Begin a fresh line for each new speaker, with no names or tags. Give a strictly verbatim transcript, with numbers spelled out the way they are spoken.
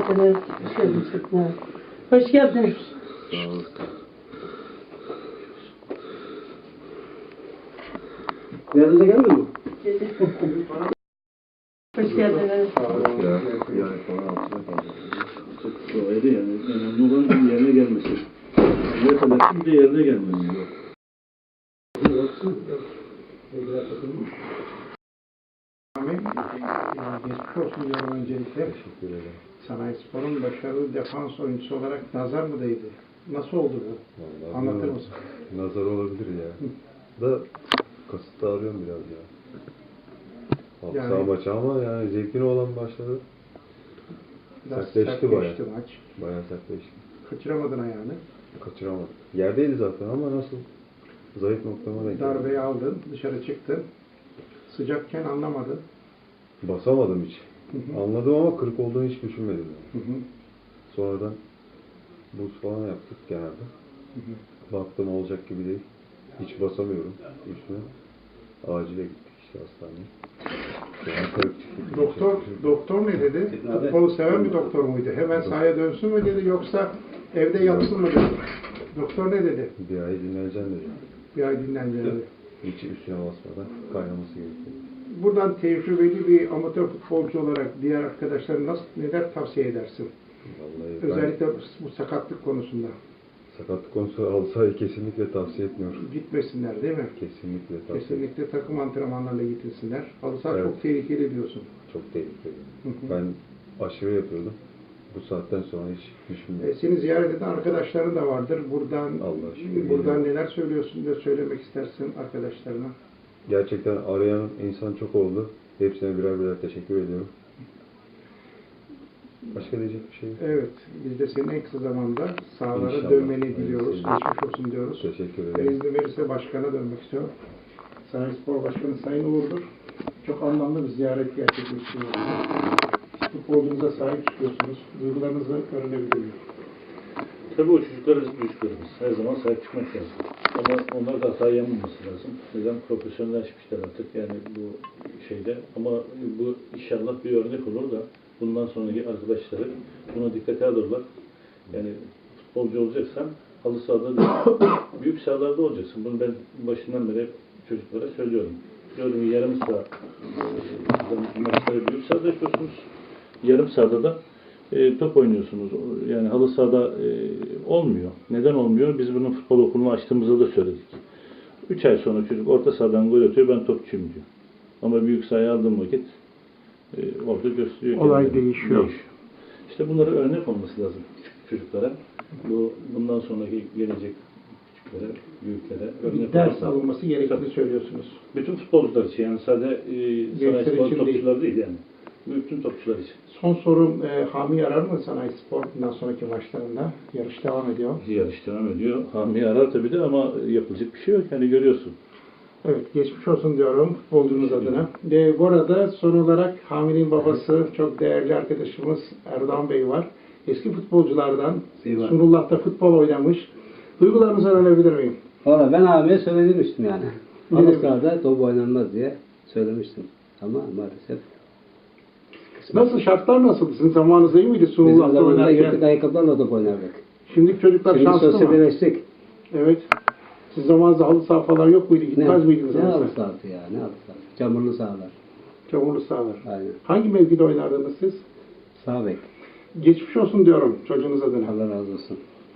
geldiniz. Hoş geldiniz. Hoş geldiniz.
Sağ olun.
Yanınıza gelmiyor mu?
Hoş geldiniz.
Yani sonra altına kalacak.
Çok doğaydı yani. Önemli olan yerine gelmesi. Ne kadar bir de yerine gelmesi.
Geçmiş olsun diyorum öncelikle.
Teşekkür ederim.
Sanayispor'un başarılı defans oyuncusu olarak nazar mı değdi? Nasıl oldu bu?
Vallahi
Anlatır
bilmiyorum.
mısın?
Nazar olabilir ya. Da kasıtlı arıyorum biraz ya. Halı
Yani-
saha maçı ama yani zevkli olan başladı.
Biraz
Sertleşti
sert
bayağı.
geçti maç.
Bayağı sertleşti.
Kaçıramadın ayağını.
Kaçıramadım. Yerdeydi zaten ama nasıl? Zayıf noktama denk geldi.
Darbeyi aldın, dışarı çıktın. Sıcakken anlamadın.
Basamadım hiç.
Hı hı.
Anladım ama kırık olduğunu hiç düşünmedim. Yani.
Hı hı.
Sonradan buz falan yaptık genelde.
Hı hı.
Baktım olacak gibi değil. Hiç basamıyorum üstüne. Acile gittik işte hastaneye. Yani kırık çıktı.
Doktor, doktor ne dedi? Futbolu seven bir doktor muydu? Hemen sahaya dönsün mü dedi yoksa evde yatsın mı dedi? Doktor ne dedi?
Bir ay dinleneceğim dedi.
Bir ay dinleneceğini.
Hiç üstüne basmadan kaynaması gerekiyor.
Buradan tecrübeli bir amatör futbolcu olarak diğer arkadaşlara nasıl, neler tavsiye edersin?
Vallahi ben
Özellikle bu sakatlık konusunda.
sakatlık konusu halı sahayı kesinlikle tavsiye etmiyorum.
Gitmesinler değil mi?
Kesinlikle tavsiye etmiyorum.
Kesinlikle takım antrenmanlarla gitsinler. Halı saha
Evet.
çok tehlikeli diyorsun.
Çok tehlikeli.
Hı hı.
Ben aşırı yapıyordum. Bu saatten sonra hiç
E,
düşünmüyorum.
seni ziyaret eden arkadaşların da vardır. Buradan
Allah şükür.
buradan neler söylüyorsun da söylemek istersin arkadaşlarına.
Gerçekten arayan insan çok oldu. Hepsine birer birer teşekkür ediyorum. Başka diyecek bir şey yok.
Evet, biz de senin en kısa zamanda sahalara
İnşallah.
dönmeni diliyoruz.
Evet.
Geçmiş olsun diyoruz.
Teşekkür
Ve
ederim.
izni verirse başkana dönmek istiyorum. Sanayispor Başkanı Sayın Uğur'dur. Çok anlamlı bir ziyaret gerçekleştiriyoruz. Futbolcunuza sahip çıkıyorsunuz. Duygularınızı öğrenebilir miyim?
Tabii o çocuklara çocuklarımız. Her zaman sahip çıkmak lazım. Ama onlar da hata yapmaması lazım. Neden? Profesyonelleşmişler artık yani bu şeyde. Ama bu inşallah bir örnek olur da bundan sonraki arkadaşları buna dikkate alırlar. Yani futbolcu olacaksan halı sahada değil, büyük sahalarda olacaksın. Bunu ben başından beri çocuklara söylüyorum. Diyorum ki yarım saha e, maçları büyük sahada yapıyorsunuz. Yarım sahada da e, top oynuyorsunuz. Yani halı sahada e, olmuyor. Neden olmuyor? Biz bunun futbol okulunu açtığımızda da söyledik. Üç ay sonra çocuk orta sahadan gol atıyor, ben topçuyum diyor. Ama büyük sahaya aldığım vakit e, orada gösteriyor.
Olay
kendini.
değişiyor.
İşte bunlara örnek olması lazım küçük çocuklara. Bu bundan sonraki gelecek küçüklere, büyüklere örnek
Bir ders
olması.
alınması gerektiğini
Tabii.
söylüyorsunuz.
Bütün futbolcular için yani sadece e,
Gençler
sanayi spor
için
topçular değil yani. Bütün topçular için.
Son sorum e, Hami arar mı Sanayi Spor bundan sonraki maçlarında? Yarış devam ediyor.
Yarış devam ediyor. Hami arar tabii de ama yapılacak bir şey yok. Yani görüyorsun.
Evet, geçmiş olsun diyorum futbolcunuz adına. E, bu arada son olarak Hami'nin babası, çok değerli arkadaşımız Erdoğan Bey var. Eski futbolculardan,
Eyvallah.
Sunullah'ta futbol oynamış. Duygularınızı öğrenebilir miyim?
Valla ben abiye söylemiştim yani.
Ne
Halı
demiş?
sahada top oynanmaz diye söylemiştim. Ama maalesef
Nasıl, şartlar nasıldı? Sizin zamanınızda iyi miydi
bizim
Sunullah'ta
zamanında gittik
oynarken?
ayakkabılarla top oynardık.
Şimdiki çocuklar
Şimdi
şanslı mı?
sosyalleştik.
Evet. Siz zamanınızda halı saha falan yok muydu?
Ne,
Gitmez miydiniz?
ne
halı
halı
saha?
sahası ya, ne halı sahası. Çamurlu sahalar.
Çamurlu sahalar.
Aynen.
Hangi mevkide oynardınız siz?
Sağ bek.
Geçmiş olsun diyorum çocuğunuz adına.
Allah razı olsun.